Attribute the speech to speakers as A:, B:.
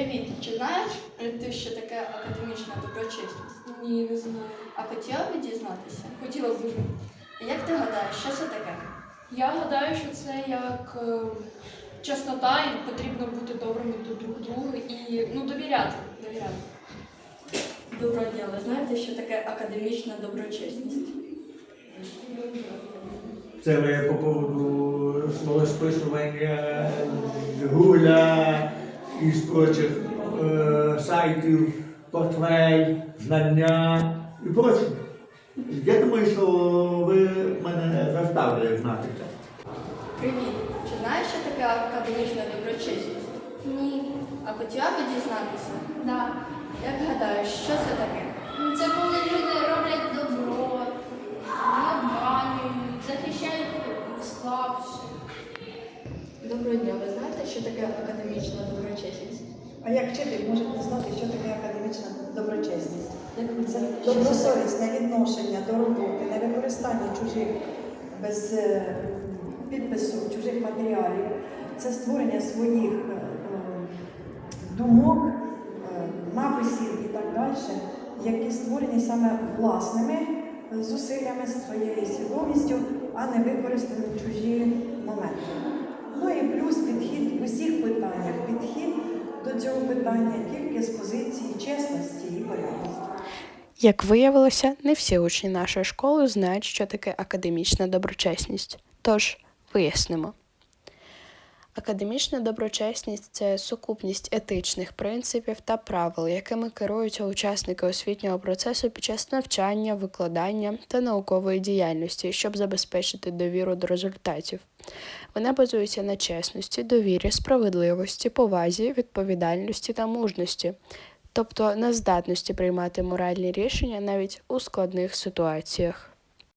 A: Привіт! Чи знаєш ти, що таке академічна доброчесність?
B: Ні, не знаю.
A: А хотіла б дізнатися?
B: Хотіла б дуже.
A: Як ти гадаєш, що це таке?
B: Я гадаю, що це як чеснота, і потрібно бути добрими до друг друга і довіряти.
A: Доброго дня, ви знаєте, що таке академічна доброчесність?
C: Це ви по поводу смолосписування Гуля і з прочих сайтів, портфель, знання і прочее. Я думаю, що ви мене заставили знати це.
A: Привіт! Чи знаєш, що таке академічна доброчесність?
D: Ні.
A: А хотіла б дізнатися?
D: Да.
A: Як гадаєш, що це таке?
D: Це коли люди роблять добро, не обманюють, захищають слабших.
A: Доброго дня, ви знаєте, що таке академічна доброчесність?
E: А як вчитель може не знати, що таке академічна доброчесність? Це
A: Що
E: добросовісне відношення до роботи, не використання чужих без підпису, чужих матеріалів. Це створення своїх думок, написів і так далі, які створені саме власними зусиллями, своєю свідомістю, а не використані чужі моменти. Ну і плюс підхід в усіх питаннях. Підхід до цього питання тільки з позиції чесності і порядності.
F: Як виявилося, не всі учні нашої школи знають, що таке академічна доброчесність. Тож, вияснимо. Академічна доброчесність – це сукупність етичних принципів та правил, якими керуються учасники освітнього процесу під час навчання, викладання та наукової діяльності, щоб забезпечити довіру до результатів. Вона базується на чесності, довірі, справедливості, повазі, відповідальності та мужності, тобто на здатності приймати моральні рішення навіть у складних ситуаціях.